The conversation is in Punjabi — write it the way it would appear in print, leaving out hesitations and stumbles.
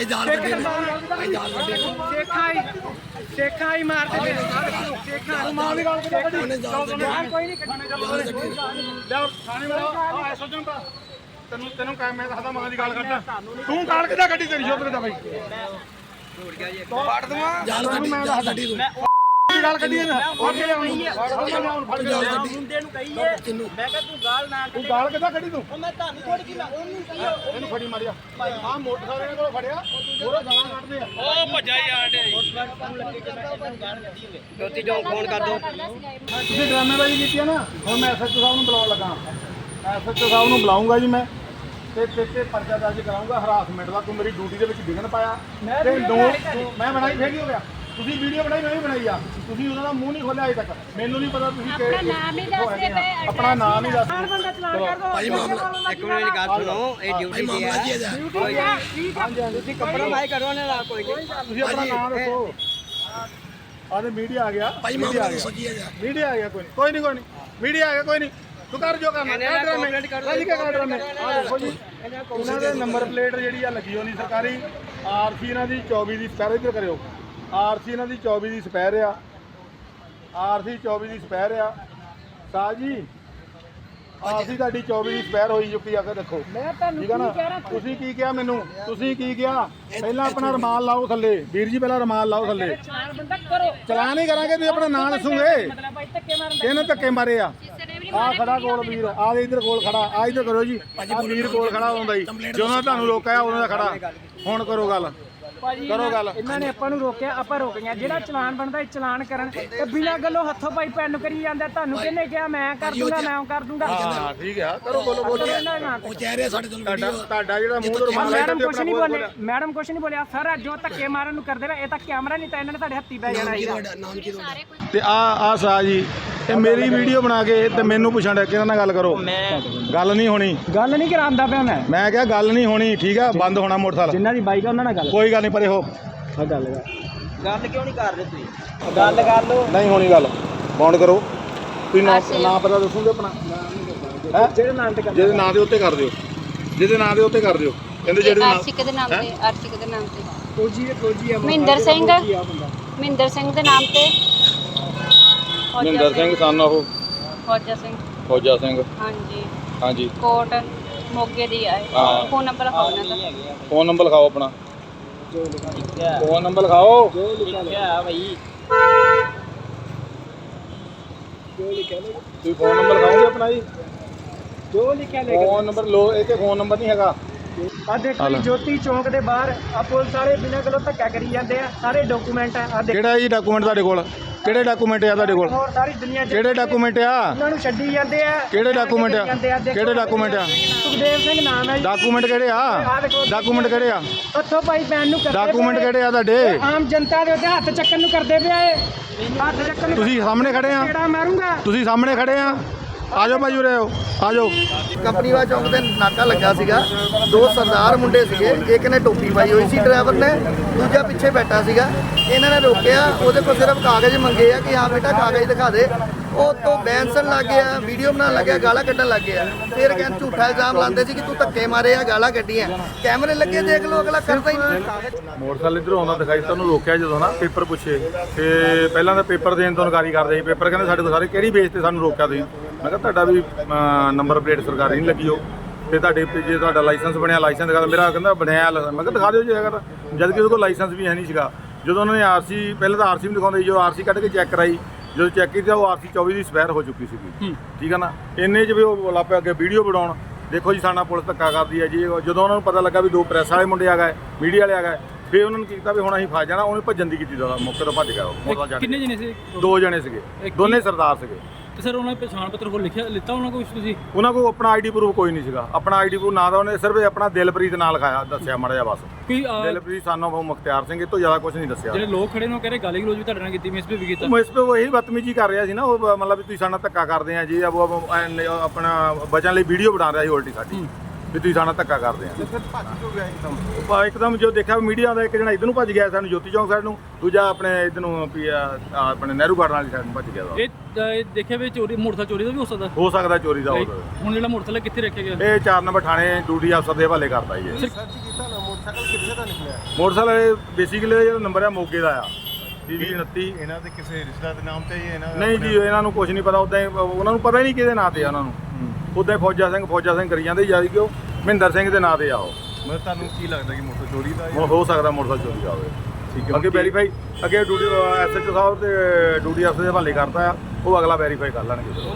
ਸੇਖਾਂ ਹੀ ਮਾਰਦੇ ਨੇ ਸੇਖਾਂ ਮਾਂ ਦੀ ਗੱਲ ਕੋਈ ਨਹੀਂ ਕੱਢਣੇ ਤੈਨੂੰ ਕਹਿ ਮੈਂ ਦੱਸਦਾ ਮਾਂ ਦੀ ਗੱਲ ਕੱਢ ਤੂੰ ਕਾਲ ਕਿੱਦਾਂ ਕੱਢੀ ਤੇਰੀ ਸ਼ੋਭਤ ਦਾ ਬਾਈ ਫੜ ਦਵਾਂ ਮੈਂ ਦੱਸ ਗੱਡੀ ਤੂੰ ਗੱਲ ਕੱਢੀ ਨਾ ਮੁੰਡੇ ਨੂੰ ਕਹੀਏ ਮੈਂ ਕਿਹਾ ਤੂੰ ਗਾਲ ਨਾ ਤੂੰ ਗਾਲ ਕਿੱਦਾਂ ਕੱਢੀ ਤੂੰ ਮੈਂ ਤੁਹਾਨੂੰ ਥੋੜੀ ਕੀ ਉਹਨੂੰ ਕਹੀਏ ਇਹਨੂੰ ਫੜੀ ਮਾਰਿਆ ਆਹ ਮੋਟਰਸਾਈਕਲ ਕੋਲ ਫੜਿਆ ਪੂਰਾ ਗਾਲਾਂ ਕੱਢਦੇ ਆ ਉਹ ਭੱਜਾ ਯਾਰ ਜੋਤੀ ਚੌਂਕ ਫੋਨ ਕਰ ਦੋ ਤੁਸੀਂ ਡਰਾਮੇਬਾਜ਼ੀ ਕੀਤੀ ਆ ਨਾ ਹੁਣ ਮੈਂ ਐਸਐਚਓ ਸਾਹਿਬ ਨੂੰ ਬੁਲਾਉਣ ਲੱਗਾ ਐਸਐਚਓ ਸਾਹਿਬ ਨੂੰ ਬੁਲਾਉਂਗਾ ਜੀ ਮੈਂ ਤੇ ਪਰਚਾ ਦਰਜ ਕਰਾਉਂਗਾ ਹਰਾਸਮੈਂਟ ਦਾ ਤੂੰ ਮੇਰੀ ਡਿਊਟੀ ਦੇ ਵਿੱਚ ਵਿਘਨ ਪਾਇਆ ਤੇ ਮੈਂ ਬਣਾਈ ਫੇਰ ਕੀ ਹੋ ਗਿਆ ਤੁਸੀਂ ਵੀਡੀਓ ਬਣਾਈ ਮੈਂ ਵੀ ਬਣਾਈ ਆ ਤੁਸੀਂ ਉਹਨਾਂ ਦਾ ਮੂੰਹ ਨਹੀਂ ਖੋਲਿਆ ਅਜੇ ਤੱਕ ਮੈਨੂੰ ਨਹੀਂ ਪਤਾ ਤੁਸੀਂ ਆਪਣਾ ਨਾਮ ਹੀ ਦੱਸਦੇ ਪਏ ਆਪਣਾ ਨਾਮ ਹੀ ਦੱਸ ਬੰਦਾ ਚਲਾਨ ਕਰ ਦੋ ਭਾਈ ਮਾਮਲਾ ਇੱਕ ਮਿੰਟ ਦੀ ਗੱਲ ਸੁਣੋ ਇਹ ਡਿਊਟੀ ਤੇ ਹੈ ਤੁਸੀਂ ਕੰਪਰੋਮਾਈਜ਼ ਕਰੋ ਨਾ ਕੋਈ ਨਹੀਂ ਤੁਸੀਂ ਆਪਣਾ ਨਾਮ ਦੱਸੋ ਆਦੇ ਮੀਡੀਆ ਆ ਗਿਆ ਭਾਈ ਮਾਮਲਾ ਸੋਚੀਏ ਜਾ ਮੀਡੀਆ ਆ ਗਿਆ ਕੋਈ ਨਹੀਂ ਮੀਡੀਆ ਆ ਗਿਆ ਕੋਈ ਨਹੀਂ ਤੂੰ ਕਰ ਜੋ ਕਰਨਾ ਰਾਜੀ ਕਾ ਕਰ ਮੈਂ ਆ ਦੇਖੋ ਜੀ ਉਹਨਾਂ ਦੇ ਨੰਬਰ ਪਲੇਟ ਜਿਹੜੀ ਆ ਲੱਗੀ ਹੋਣੀ ਸਰਕਾਰੀ ਆਰਸੀ ਇਹਨਾਂ ਦੀ 24 ਦੀ ਸਪੈਰ ਇੱਧਰ ਕਰਿਓ ਆਰਸੀ ਇਹਨਾਂ ਦੀ 24 ਦੀ ਸਪੈਰ ਆ ਆਰਸੀ 24 ਦੀ ਸਪੈਰ ਆ ਸਾਹ ਜੀ ਆਰਸੀ ਤੁਹਾਡੀ 24 ਦੀ ਸਪੈਰ ਹੋਈ ਚੁੱਕੀ ਆ ਕੇ ਦੇਖੋ ਮੈਂ ਤੁਹਾਨੂੰ ਠੀਕ ਆ ਨਾ ਤੁਸੀਂ ਕੀ ਕਿਹਾ ਮੈਨੂੰ ਤੁਸੀਂ ਕੀ ਕਿਹਾ ਪਹਿਲਾਂ ਆਪਣਾ ਰਮਾਲ ਲਾਓ ਥੱਲੇ ਵੀਰ ਜੀ ਪਹਿਲਾਂ ਰਮਾਲ ਲਾਓ ਥੱਲੇ ਚਲਾਨ ਬੰਦਾ ਕਰੋ ਚਲਾਨ ਨਹੀਂ ਕਰਾਂਗੇ ਤੁਸੀਂ ਆਪਣਾ ਨਾਂ ਦੱਸੋਗੇ ਮਤਲਬ ਭਾਈ ਧੱਕੇ ਮਾਰਨ ਇਹਨੇ ਧੱਕੇ ਮਾਰੇ ਆ ਆ ਖੜਾ ਕੋਲ ਵੀਰ ਆ ਇਧਰ ਕੋਲ ਖੜਾ ਆ ਇਧਰ ਕਰੋ ਜੀ ਆ ਵੀਰ ਕੋਲ ਖੜਾ ਹੁੰਦਾ ਜੀ ਜਦੋਂ ਤੁਹਾਨੂੰ ਰੋਕਿਆ ਉਹਨਾਂ ਦਾ ਖੜਾ ਹੁਣ ਕਰੋ ਗੱਲ ਕਰੋ ਗੱਲ ਇਹਨਾਂ ਨੇ ਆਪਾਂ ਨੂੰ ਰੋਕਿਆ ਆਪਾਂ ਰੁਕ ਗਏ ਜਿਹੜਾ ਚਲਾਨ ਬਣਦਾ ਇਹ ਚਲਾਨ ਕਰਨ ਤੇ ਬਿਨਾਂ ਗੱਲੋਂ ਹੱਥੋਂ ਪਾਈ ਪੈਨ ਨੂੰ ਕਰੀ ਜਾਂਦਾ ਤੁਹਾਨੂੰ ਕਿਹਨੇ ਕਿਹਾ ਮੈਂ ਕਰ ਦੂੰਗਾ ਮੈਂ ਕਰ ਦੂੰਗਾ ਹਾਂ ਠੀਕ ਆ ਕਰੋ ਬੋਲੋ ਉਹ ਕਹਿ ਰਿਹਾ ਸਾਡੇ ਤੋਂ ਤੁਹਾਡਾ ਜਿਹੜਾ ਮੂੰਹ ਤੋਂ ਰੁਮਾਲ ਮੈਡਮ ਕੁਛ ਨਹੀਂ ਬੋਲੇ ਮੈਡਮ ਕੁਛ ਨਹੀਂ ਬੋਲਿਆ ਸਰ ਜੋ ਧੱਕੇ ਮਾਰਨ ਨੂੰ ਕਰਦੇ ਰਹੇ ਇਹ ਤਾਂ ਕੈਮਰਾ ਨਹੀਂ ਤਾਂ ਇਹਨਾਂ ਨੇ ਤੁਹਾਡੇ ਹੱਥੀ ਪੈ ਜਾਣਾ ਸੀਗਾ ਤੇ ਆ ਸਾ ਜੀ ਇਹ ਮੇਰੀ ਵੀਡੀਓ ਬਣਾ ਕੇ ਤੇ ਮੈਨੂੰ ਪੁੱਛਣ ਡਿਆ ਕਿਹਨਾਂ ਨਾਲ ਗੱਲ ਕਰੋ ਗੱਲ ਨਹੀਂ ਹੋਣੀ ਗੱਲ ਨਹੀਂ ਕਰਾਂਦਾ ਪਿਆ ਮੈਂ ਕਿਹਾ ਗੱਲ ਨਹੀਂ ਹੋਣੀ ਠੀਕ ਆ ਬੰਦ ਹੋਣਾ ਮੋਟਰਸਾਈਕਲ ਜਿੰਨਾ ਦੀ ਬਾਈਕ ਆ ਉਹਨਾਂ ਨਾਲ ਗੱਲ ਕੋਈ ਗੱਲ ਨਹੀਂ ਪਰੇ ਹੋ ਆ ਗੱਲ ਕਿਉਂ ਨਹੀਂ ਕਰ ਰਹੇ ਤੁਸੀਂ ਗੱਲ ਕਰ ਲਓ ਨਹੀਂ ਹੋਣੀ ਗੱਲ ਬਾਉਂਡ ਕਰੋ ਤੁਸੀਂ ਨਾਂ ਪਤਾ ਦੱਸੋਗੇ ਆਪਣਾ ਜਿਹੜੇ ਨਾਂ ਤੇ ਜਿਹਦੇ ਨਾਂ ਦੇ ਉੱਤੇ ਕਰ ਦਿਓ ਜਿਹਦੇ ਨਾਂ ਦੇ ਉੱਤੇ ਕਰ ਦਿਓ ਕਹਿੰਦੇ ਜਿਹੜੇ ਨਾਂ ਆਰਸ਼ਿਕ ਦੇ ਨਾਮ ਤੇ ਆਰਸ਼ਿਕ ਦੇ ਨਾਮ ਤੇ ਫੌਜੀ ਆ ਮਹਿੰਦਰ ਸਿੰਘ ਦੇ ਨਾਮ ਤੇ ਮਹਿੰਦਰ ਸਿੰਘ ਸਨ ਉਹ ਫੌਜਾ ਸਿੰਘ ਹਾਂਜੀ ਕੋਟ ਮੋਗੇ ਦੀ ਆਏ ਫੋਨ ਨੰਬਰ ਲਿਖਾਓ ਉਹਨਾਂ ਦਾ ਫੋਨ ਨੰਬਰ ਲਿਖਾਓ ਆਪਣਾ ਫੋਨ ਨੰਬਰ ਲਿਖਾਓ ਜੋ ਲਿਖਿਆ ਭਾਈ ਤੁਸੀਂ ਫੋਨ ਨੰਬਰ ਲਿਖਾਓਗੇ ਆਪਣਾ ਜੀ ਜੋ ਲਿਖਿਆ ਫੋਨ ਨੰਬਰ ਲੋ ਇਹ ਤੇ ਫੋਨ ਨੰਬਰ ਨਹੀਂ ਹੈਗਾ ਆ ਦੇਖੋ ਜੀ ਜੋਤੀ ਚੌਂਕ ਦੇ ਬਾਹਰ ਆ ਪੁਲਿਸ ਵਾਲੇ ਬਿਨਾਂ ਗੱਲੋਂ ਧੱਕਾ ਕਰੀ ਜਾਂਦੇ ਆ ਸਾਰੇ ਡਾਕੂਮੈਂਟ ਆ ਦੇਖੋ ਕਿਹੜਾ ਜੀ ਡਾਕੂਮੈਂਟ ਤੁਹਾਡੇ ਕੋਲ ਕਿਹੜੇ ਡਾਕੂਮੈਂਟ ਆ ਤੁਹਾਡੇ ਕੋਲ ਹੋਰ ਸਾਰੀ ਦੁਨੀਆ ਕਿਹੜੇ ਡਾਕੂਮੈਂਟ ਆ ਉਹਨਾਂ ਨੂੰ ਛੱਡੀ ਜਾਂਦੇ ਆ ਕਿਹੜੇ ਡਾਕੂਮੈਂਟ ਆ ਕਿਹੜੇ ਡਾਕੂਮੈਂਟ ਆ ਸੁਖਦੇਵ ਸਿੰਘ ਨਾਮ ਹੈ ਜੀ ਡਾਕੂਮੈਂਟ ਕਿਹੜੇ ਆ ਡਾਕੂਮੈਂਟ ਕਿਹੜੇ ਆ ਉੱਥੋਂ ਭਾਈ ਪੈਨ ਨੂੰ ਕਰਦੇ ਡਾਕੂਮੈਂਟ ਕਿਹੜੇ ਆ ਤੁਹਾਡੇ ਆਮ ਜਨਤਾ ਦੇ ਉੱਤੇ ਹੱਥ ਚੱਕਣ ਨੂੰ ਕਰਦੇ ਪਿਆ ਏ ਹੱਥ ਚੱਕਣ ਨੂੰ ਤੁਸੀਂ ਸਾਹਮਣੇ ਖੜੇ ਆ ਕਿਹੜਾ ਮਾਰੂੰਗਾ ਤੁਸੀਂ ਸਾਹਮਣੇ ਖੜੇ ਆ ਆਜੋ ਭਾਈ ਉਰੇ ਆਓ ਆਜੋ ਕੰਪਨੀਵਾ ਚੌਂਕ ਤੇ ਨਾਕਾ ਲੱਗਾ ਸੀਗਾ ਦੋ ਸਰਦਾਰ ਮੁੰਡੇ ਸੀਗੇ ਇੱਕ ਨੇ ਟੋਪੀ ਪਾਈ ਹੋਈ ਸੀ ਡਰਾਈਵਰ ਨੇ ਦੂਜਾ ਪਿੱਛੇ ਬੈਠਾ ਸੀਗਾ ਇਹਨਾਂ ਨੇ ਰੋਕਿਆ ਉਹਦੇ ਕੋਲ ਸਿਰਫ ਕਾਗਜ਼ ਮੰਗੇ ਆ ਕਿ ਹਾਂ ਬੇਟਾ ਕਾਗਜ਼ ਦਿਖਾ ਦੇ ਉਹ ਤੋਂ ਬੈਂਸਣ ਲੱਗ ਗਿਆ ਵੀਡੀਓ ਬਣਾਉਣ ਲੱਗਿਆ ਗਾਲਾਂ ਕੱਢਣ ਲੱਗ ਗਿਆ ਫਿਰ ਕਹਿੰਦੇ ਝੂਠਾ ਇਲਜ਼ਾਮ ਲਾਉਂਦੇ ਸੀ ਕਿ ਤੂੰ ਧੱਕੇ ਮਾਰੇ ਆ ਗਾਲਾਂ ਕੱਢੀਆਂ ਕੈਮਰੇ ਲੱਗੇ ਦੇਖ ਲਓ ਅਗਲਾ ਕਰਦਾ ਹੀ ਨਹੀਂ ਮੋਟਰਸਾਈਕਲ ਇਧਰੋਂ ਆਉਂਦਾ ਦਿਖਾਈ ਤੁਹਾਨੂੰ ਰੋਕਿਆ ਜਦੋਂ ਨਾ ਪੇਪਰ ਪੁੱਛੇ ਤੇ ਪਹਿਲਾਂ ਤਾਂ ਪੇਪਰ ਦੇਣ ਤੋਂ ਇਨਕਾਰੀ ਕਰਦੇ ਸੀ ਪੇਪਰ ਕਹਿੰਦੇ ਸਾਡੇ ਕੋਲ ਸਾਰੇ ਕਿਹੜੀ ਬੇਸ ਤੇ ਸਾਨੂੰ ਰੋਕਿਆ ਤੁਸੀਂ ਮੈਂ ਕਿਹਾ ਤੁਹਾਡਾ ਵੀ ਨੰਬਰ ਪਲੇਟ ਸਰਕਾਰੀ ਨਹੀਂ ਲੱਗੀ ਹੋ ਤੇ ਤੁਹਾਡੇ ਜੇ ਤੁਹਾਡਾ ਲਾਇਸੈਂਸ ਬਣਿਆ ਲਾਇਸੈਂਸ ਦਿਖਾ ਮੇਰਾ ਕਹਿੰਦਾ ਬਣਿਆ ਮੈਂ ਕਿਹਾ ਦਿਖਾ ਦਿਓ ਜੇ ਹੈਗਾ ਤਾਂ ਜਦ ਕਿ ਉਹਦੇ ਕੋਲ ਲਾਇਸੈਂਸ ਵੀ ਹੈ ਨਹੀਂ ਸੀਗਾ ਜਦੋਂ ਉਹਨਾਂ ਨੇ ਆਰਸੀ ਪਹਿਲਾਂ ਤਾਂ ਆਰਸੀ ਵੀ ਦਿਖਾਉਂਦੇ ਸੀ ਜੋ ਆਰਸੀ ਕੱਢ ਕੇ ਚੈੱਕ ਕਰਾਈ ਜਦੋਂ ਚੈੱਕ ਕੀਤਾ ਉਹ ਆਰਸੀ 24 ਦੀ ਸਪੈਰ ਹੋ ਚੁੱਕੀ ਸੀਗੀ ਠੀਕ ਆ ਨਾ ਇੰਨੇ 'ਚ ਵੀ ਉਹ ਲਾਪੇ ਅੱਗੇ ਵੀਡੀਓ ਬਣਾਉਣ ਦੇਖੋ ਜੀ ਸਾਡਾ ਪੁਲਿਸ ਧੱਕਾ ਕਰਦੀ ਹੈ ਜੀ ਜਦੋਂ ਉਹਨਾਂ ਨੂੰ ਪਤਾ ਲੱਗਾ ਵੀ ਦੋ ਪ੍ਰੈਸ ਵਾਲੇ ਮੁੰਡੇ ਆ ਗਏ ਮੀਡੀਆ ਵਾਲੇ ਆ ਗਏ ਫਿਰ ਉਹਨਾਂ ਨੂੰ ਕੀਤਾ ਵੀ ਹੁਣ ਅਸੀਂ ਫਸ ਜਾਣਾ ਉਹਨੇ ਭੱਜਣ ਦੀ ਕੀਤੀ ਦਾ ਮੌਕੇ ਤੋਂ ਭੱਜ ਗਿਆ ਉਹ ਕਿੰਨੇ ਜਣੇ ਸੀ ਦੋ ਜਣੇ ਸੀਗੇ ਦੋਨੇ ਸਰਦਾਰ ਸੀਗੇ ਤੇ ਸਰ ਉਹਨਾਂ ਨੇ ਪਛਾਣ ਪੱਤਰ ਕੋਲ ਲਿੱਤਾ ਉਹਨਾਂ ਕੋਲ ਤੁਸੀਂ ਉਹਨਾਂ ਕੋਲ ਆਪਣਾ ਆਈਡੀ ਪ੍ਰੂਫ ਕੋਈ ਨਹੀਂ ਸੀਗਾ ਆਪਣਾ ਆਈਡੀ ਪ੍ਰੂਫ ਨਾ ਦਾ ਉਹਨੇ ਸਿਰਫ ਆਪਣਾ ਦਿਲਪ੍ਰੀਤ ਨਾਲ ਲਿਖਾਇਆ ਦੱਸਿਆ ਮਾੜਾ ਜਿਹਾ ਬਸ ਕੋਈ ਦਿਲਪ੍ਰੀਤ ਸਾਨੂੰ ਉਹ ਮੁਖਤਿਆਰ ਸਿੰਘ ਇਹ ਤੋਂ ਜ਼ਿਆਦਾ ਕੁਝ ਨਹੀਂ ਦੱਸਿਆ ਜਿਹੜੇ ਲੋਕ ਖੜੇ ਨੇ ਉਹ ਕਹਿ ਰਹੇ ਗਾਲੀ ਗਲੋਚ ਵੀ ਤੁਹਾਡੇ ਨਾਲ ਕੀਤੀ ਮਿਸਬਿਹੇਵ ਵੀ ਕੀਤਾ ਮੈਂ ਇਸ 'ਤੇ ਉਹੀ ਬਦਤਮੀਜੀ ਕਰ ਰਿਹਾ ਸੀ ਨਾ ਉਹ ਮਤਲਬ ਵੀ ਤੁਸੀਂ ਸਾਡੇ ਨਾਲ ਧੱਕਾ ਕਰਦੇ ਆ ਜੀ ਆਪਣਾ ਬਚਣ ਲਈ ਵੀਡੀਓ ਬਣਾ ਰਿਹਾ ਸੀ ਉਲਟੀ ਸਾਡੀ ਵੀ ਤੁਸੀਂ ਸਾਡਾ ਧੱਕਾ ਕਰਦੇ ਆ। ਫਿਰ ਭੱਜ ਕਿਉਂ ਗਿਆ ਇੱਕਦਮ? ਇੱਕਦਮ ਜੋ ਦੇਖਿਆ ਮੀਡੀਆ ਦਾ ਇੱਕ ਜਣਾ ਇੱਧਰ ਨੂੰ ਭੱਜ ਗਿਆ ਸਾਨੂੰ ਜੋਤੀ ਚੌਂਕ ਸਾਈਡ ਨੂੰ, ਦੂਜਾ ਆਪਣੇ ਇੱਧਰ ਨੂੰ ਵੀ ਆਪਣੇ ਨਹਿਰੂ ਗਾਰਡਨ ਵਾਲੀ ਸਾਈਡ ਨੂੰ ਭੱਜ ਗਿਆ। ਇਹ ਦੇਖਿਆ ਵੀ ਚੋਰੀ ਮੋਟਰਸਾਈਕਲ ਚੋਰੀ ਦਾ ਵੀ ਹੋ ਸਕਦਾ ਚੋਰੀ ਦਾ ਹੋ ਹੁਣ ਜਿਹੜਾ ਮੋਟਰਸਾਈਕਲ ਕਿੱਥੇ ਰੱਖਿਆ ਗਿਆ? ਇਹ 4 ਨੰਬਰ ਥਾਣੇ ਡਿਊਟੀ ਅਫਸਰ ਦੇ ਹਵਾਲੇ ਕਰਦਾ ਜੀ ਇਹ। ਸਰਚ ਕੀਤਾ ਨਾ ਮੋਟਰਸਾਈਕਲ ਕਿੱਥੇ ਦਾ ਨਿਕਲਿਆ? ਮੋਟਰਸਾਈਕਲ ਬੇਸਿਕਲੀ ਜਿਹੜਾ ਨੰਬਰ ਆ ਮੋਗੇ ਦਾ ਆ 29। ਇਹਨਾਂ ਦੇ ਕਿਸੇ ਰਿਸ਼ਤੇਦਾਰ ਦੇ ਨਾਮ ਤੇ ਹੀ ਇਹਨਾਂ ਨਹੀਂ ਜੀ ਇਹਨਾਂ ਨੂੰ ਕੁਝ ਨਹੀਂ ਪਤਾ, ਉਦਾਂ ਹੀ ਉਹਨਾਂ ਨੂੰ ਪਤਾ ਹੀ ਨਹੀਂ ਕਿਹਦੇ ਨਾਂ ਤੇ ਆ ਉਹਨਾਂ ਨੂੰ। ਉਦਾਂ ਹੀ ਫੌਜਾ ਸਿੰਘ ਕਰੀ ਜਾਂਦੇ ਜਦ ਕਿ ਉਹ ਮਹਿੰਦਰ ਸਿੰਘ ਦੇ ਨਾਂ ਤੇ ਆ ਉਹ। ਮਤਲਬ ਤੁਹਾਨੂੰ ਕੀ ਲੱਗਦਾ ਕਿ ਮੋਟਰ ਚੋਰੀ ਦਾ ਹੋ ਸਕਦਾ ਮੋਟਰਸਾਈਕਲ ਚੋਰੀ ਦਾ ਹੋਵੇ। ਠੀਕ ਹੈ। ਅੱਗੇ ਵੈਰੀਫਾਈ ਅੱਗੇ ਡਿਊਟੀ ਐਸਐਚਓ ਸਾਹਿਬ ਤੇ ਡਿਊਟੀ ਅਫਸਰ ਦੇ ਹਵਾਲੇ ਕਰਤਾ ਆ, ਉਹ ਅਗਲਾ ਵੈਰੀਫਾਈ ਕਰ ਲੈਣਗੇ।